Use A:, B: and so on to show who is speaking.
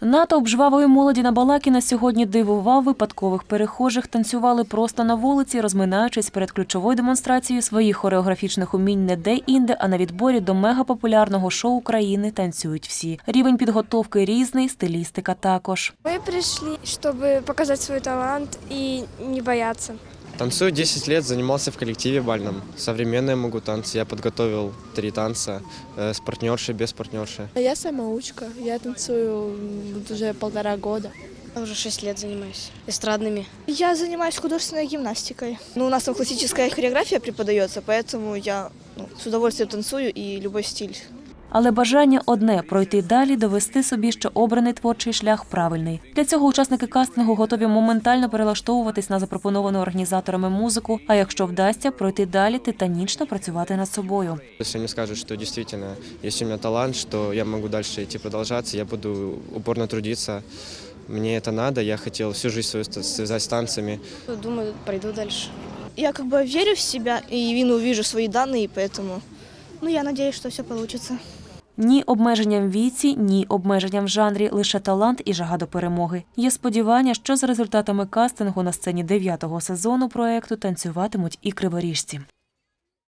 A: Натовп жвавої молоді на Балакіна сьогодні дивував випадкових перехожих. Танцювали просто на вулиці, розминаючись перед ключовою демонстрацією своїх хореографічних умінь не де-інде, а на відборі до мегапопулярного шоу країни «Танцюють всі». Рівень підготовки різний, стилістика також.
B: Мы пришли, чтобы показать свой талант и не бояться.
C: Танцую 10 лет, занимался в коллективе бальном. Современные могу танцы. Я подготовил 3 танца с партнершей, без партнерши.
D: Я самоучка. Я танцую уже 1,5 года.
E: Я уже 6 лет занимаюсь эстрадными.
F: Я занимаюсь художественной гимнастикой. У нас там классическая хореография преподается, поэтому я с удовольствием танцую и любой стиль.
A: Але бажання одне – пройти далі, довести собі, що обраний творчий шлях правильний. Для цього учасники кастингу готові моментально перелаштовуватись на запропоновану організаторами музику, а якщо вдасться, пройти далі, титанічно працювати над собою.
C: Если мне скажут, что действительно есть у меня талант, что я могу дальше идти продолжаться, я буду упорно трудиться. Мне это надо, я хотел всю жизнь свою связать с танцами.
E: Думаю, пойду дальше.
F: Я верю в себя и увижу свои данные, поэтому я надеюсь, что все получится.
A: Ні обмеженням в віці, ні обмеженням в жанрі, лише талант і жага до перемоги. Є сподівання, що за результатами кастингу на сцені 9-го сезону проєкту танцюватимуть і криворіжці.